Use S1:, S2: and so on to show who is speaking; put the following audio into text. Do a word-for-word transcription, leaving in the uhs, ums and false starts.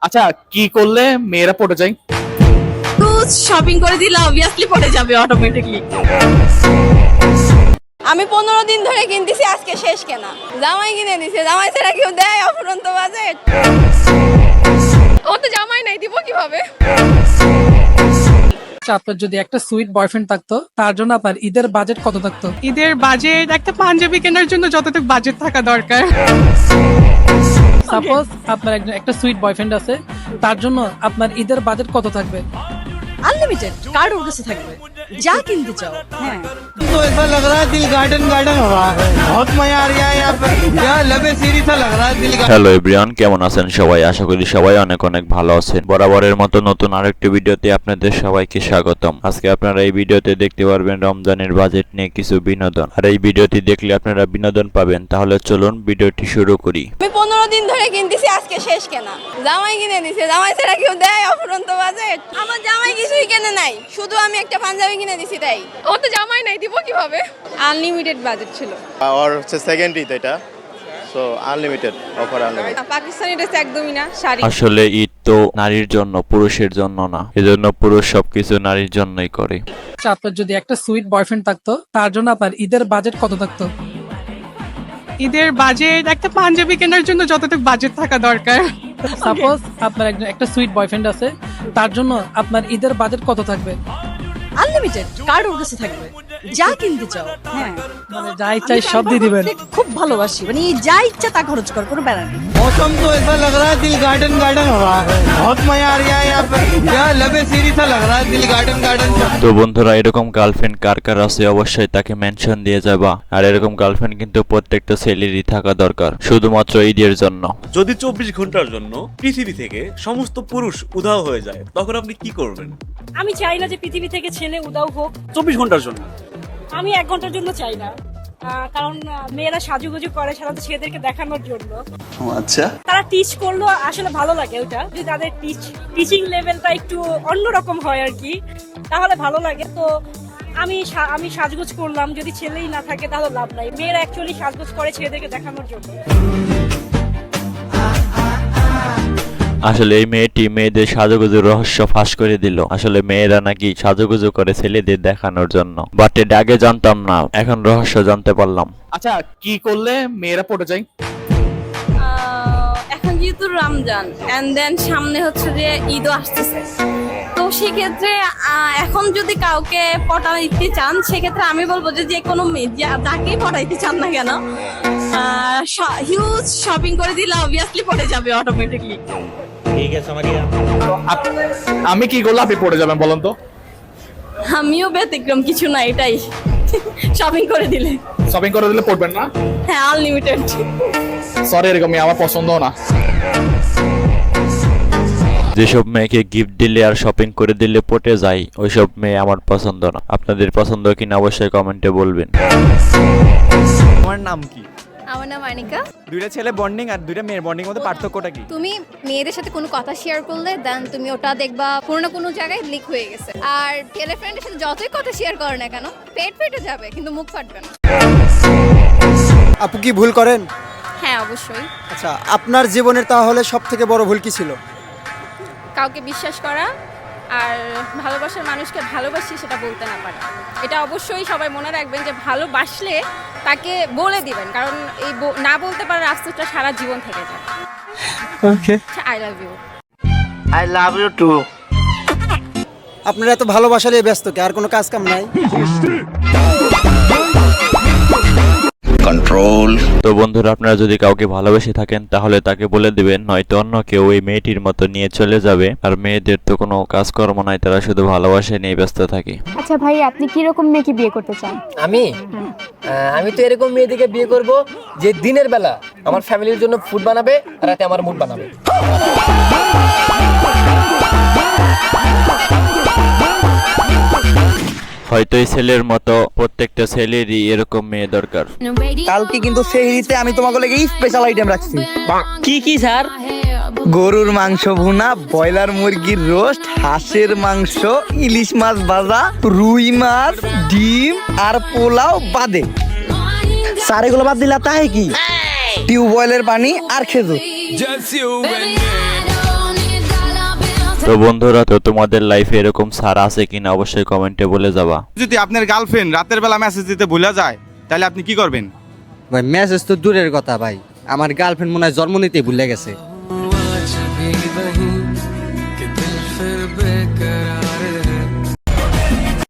S1: আচ্ছা, কি করলে মেয়েরা পড়ে যায়?
S2: শপিং করে দিলে অবভিয়াসলি পড়ে যাবে অটোমেটিকলি। আমি পনেরো দিন ধরে কিনতেছি, আজকে শেষ কেনা। জামাই কিনে দিছে, জামাই ছাড়া কেউ দেয় অফুরন্ত বাজেট? ও তো জামাই নাই, দিব কিভাবে?
S3: আপনার যদি একটা সুইট বয়ফ্রেন্ড থাকতো, তার জন্য আপনার ঈদের বাজেট কত থাকতো?
S4: ঈদের বাজেট একটা পাঞ্জাবি কেনার জন্য যতটুকু বাজেট থাকা দরকার।
S3: সাপোজ আপনার একজন একটা সুইট বয়ফ্রেন্ড আছে, তার জন্য আপনার ঈদের বাজেট কত থাকবে?
S2: আনলিমিটেড কার্ড ওর কাছে থাকবে, যা কিনতে চাও। হ্যাঁ,
S5: तो ऐसा लग रहा है दिल गार्डन गार्डन हो रहा है। बहुत मजा आ रहा है यहाँ पे, यहाँ लबे सीरी सा लग रहा है दिल गार्डन।
S6: হ্যালো এভরিওয়ান, কেমন আছেন সবাই? আশা করি সবাই অনেক অনেক ভালো আছেন। বরাবরের মতো নতুন আরেকটি ভিডিওতে আপনাদের সবাইকে স্বাগতম। আজকে আপনারা এই ভিডিওতে দেখতে পারবেন রমজানের বাজেট নিয়ে কিছু বিনোদন। আর এই ভিডিওটি দেখলে আপনারা বিনোদন পাবেন। তাহলে চলুন ভিডিওটি শুরু করি।
S2: আমি পনেরো দিন ধরে কিনতেছি, আজকে শেষ কেনা। জামাই কিনে দিছে, জামাই ছাড়া কেউ দেয় অফুরন্ত বাজেট? আমার জামাই কিছুই কেনে নাই, শুধু আমি একটা পাঞ্জাবি কিনে দিছি তাই। ও তো জামাই নাই, দিব কিভাবে? আনলিমিটেড বাজেট ছিল।
S7: আর হচ্ছে সেকেন্ড ঈদ এটা, so unlimited offer unlimited.
S2: Pakistani dress একদমই না, শাড়ি।
S6: আসলে ঈদ তো নারীর জন্য, পুরুষের জন্য না। এজন্য পুরুষ সবকিছু নারীর জন্যই করে।
S3: আচ্ছা, আপনার যদি একটা সুইট বয়ফ্রেন্ড থাকতো, তার জন্য আপনার ঈদের বাজেট কত থাকতো?
S4: ঈদের বাজেট একটা পাঞ্জাবি কেনার জন্য যতটুকু বাজেট থাকা দরকার।
S3: সাপোজ আপনার একজন একটা সুইট বয়ফ্রেন্ড আছে, তার জন্য আপনার ঈদের বাজেট কত থাকবে?
S2: আনলিমিটেড কার্ড ওর কাছে থাকবে, যা কিনতে চাও। হ্যাঁ,
S3: মানে যা ইচ্ছা সব দিয়ে দিবেন।
S2: খুব ভালোবাসি, মানে যা ইচ্ছা তা খরচ কর, কোনো ব্যাপার নেই।
S5: मौसम तो ऐसा लग रहा है दिल गार्डन गार्डन हो रहा है। बहुत मजा आ रहा है यहाँ पे, यहाँ लबे सीरी सा लग रहा है दिल गार्डन गार्डन।
S6: তো বন্ধুরা, এরকম গার্লফ্রেন্ড কার কার আছে অবশ্যই তাকে মেনশন দিয়ে যাবা। আর এরকম গার্লফ্রেন্ড কিন্তু প্রত্যেকটা ছেলেরই থাকা দরকার, শুধুমাত্র ঈদের জন্য।
S8: যদি চব্বিশ ঘন্টার জন্য পৃথিবী থেকে সমস্ত পুরুষ উধাও হয়ে যায়, তখন আপনি কি করবেন?
S9: আমি চাই না যে পৃথিবী থেকে ছেলে উদাও হোক।
S8: চব্বিশ ঘন্টার জন্য
S9: আমি এক ঘন্টার জন্য চাই না, আহ, কারণ আহ, মেয়েরা সাজুগুজু করে সাধারণত ছেলেদেরকে দেখানোর জন্য।
S8: আচ্ছা,
S9: তারা টিচ করলো আসলে ভালো লাগে, ওটা যদি তাদের টিচ টিচিং লেভেলটা একটু অন্যরকম হয় আর কি, তাহলে ভালো লাগে। তো আমি সা- আমি সাজগোজ করলাম, যদি ছেলেই না থাকে তাহলে লাভ নাই। মেয়েরা অ্যাকচুয়ালি সাজগোজ করে ছেলেদেরকে দেখানোর জন্য।
S6: আসলে এই মেয়েটি মেয়েদের সাজুগুজুর রহস্য ফাঁস করে দিল। আসলে মেয়েরা নাকি সাজুগুজু করে ছেলেদের দেখানোর জন্য, বাট এটা আগে জানতাম না, এখন রহস্য জানতে পারলাম।
S1: আচ্ছা, কি করলে মেয়েরা পড়ে যায়?
S2: এখন যেহেতু রমজান এন্ড দেন সামনে হচ্ছে যে ঈদও আসতেছে, তো সেক্ষেত্রে আহ, এখন যদি কাউকে পটাইতে চান, সেক্ষেত্রে আমি বলবো যে যে কোনো মেয়ে যা- যাকেই পটাইতে চান না কেন, হিউজ শপিং করে দিলে অবভিয়াসলি পড়ে যাবে অটোমেটিকলি।
S1: আপ- আমি কি করলে আপনি পড়ে যাবেন বলেন তো?
S2: আমিও ব্যতিক্রম কিছু না, এটাই শপিং করে দিলে।
S1: শপিং করে দিলে পড়বেন না?
S2: হ্যাঁ, আনলিমিটেড।
S1: সরি, এরকমই আমার পছন্দ না।
S6: যেসব মেয়েকে গিফট দিলে আর শপিং করে দিলে পটে যায়, ওইসব মেয়ে আমার পছন্দ না। আপনাদের পছন্দ কিনা অবশ্যই কমেন্টে বলবেন।
S10: তোমার নাম কি?
S11: আমার নাম আনিকা।
S10: দুইটা ছেলে বন্ডিং আর দুইটা মেয়ের বন্ডিং মধ্যে পার্থক্যটা কি?
S11: তুমি মেয়েদের সাথে কোনো কথা শেয়ার করলে দেন তুমি ওটা দেখবা কোনো না কোনো জায়গায় লিক হয়ে গেছে। আর ছেলে ফ্রেন্ডের সাথে যতই কথা শেয়ার করো না কেন, পেট ফেটে যাবে কিন্তু মুখ ফাটবে না।
S5: আপু কি ভুল করেন?
S11: হ্যাঁ, অবশ্যই।
S5: আচ্ছা, আপনার জীবনের তাহলে সব থেকে বড় ভুল কি ছিল?
S11: কাউকে বিশ্বাস করা আর ভালোবাসার মানুষকে ভালোবাসি সেটা বলতে না পারা, এটা অবশ্যই সবাই মনে রাখবেন যে ভালোবাসলে তাকে বলে দিবেন, কারণ এই ব- না বলতে পারার আফসোসটা সারা জীবন থেকে যায়।
S5: Okay,
S11: I love you.
S5: I love you too. আপনারা এত ভালোবাসা নিয়ে ব্যস্ত কি আর কোনো কাজ কাম নাই?
S6: কন্ট্রোল। তো বন্ধুরা, আপনারা যদি কাউকে ভালোবেসে থাকেন তাহলে তাকে বলে দিবেন, নয়তো অন্য কেউ এই মেয়েটির মতো নিয়ে চলে যাবে। আর মেয়েদের তো কোনো কাজকর্ম নাই, তারা শুধু ভালোবাসা নিয়ে ব্যস্ত থাকে।
S11: আচ্ছা ভাই, আপনি কি রকম মেয়েকে বিয়ে করতে চান?
S12: আমি আহ, আমি তো এরকম মেয়েদিকে বিয়ে করব যে দিনের বেলা আমার ফ্যামিলির জন্য ফুড বানাবে আর রাতে আমার মুড বানাবে।
S6: হয়তো এই ছেলের মতো প্রত্যেকটা ছেলেরই এরকম মেয়ে দরকার।
S5: কালকে কিন্তু সেহরিতে আমি তোমাকে লেগে স্পেশাল আইটেম রাখছি।
S12: কি কি স্যার?
S5: গরুর মাংস ভুনা, ব্রয়লার মুরগির রোস্ট, হাঁসের মাংস, ইলিশ মাছ ভাজা, রুই মাছ, ডিম আর পোলাও বাদে। স্যার এগুলো বাদ দিলা তাই কি? টিউবওয়েলের পানি আর খেজুর।
S6: তো বন্ধুরা, তো তোমাদের লাইফে এরকম স্যার আছে কিনা অবশ্যই কমেন্টে বলে যাবা।
S13: যদি আপনার গার্লফ্রেন্ড রাতের বেলা মেসেজ দিতে ভুলে যায় তাহলে আপনি কি করবেন?
S5: ভাই মেসেজ তো দূরের কথা ভাই, আমার গার্লফ্রেন্ড মনে হয় জন্ম নিতেই ভুলে গেছে।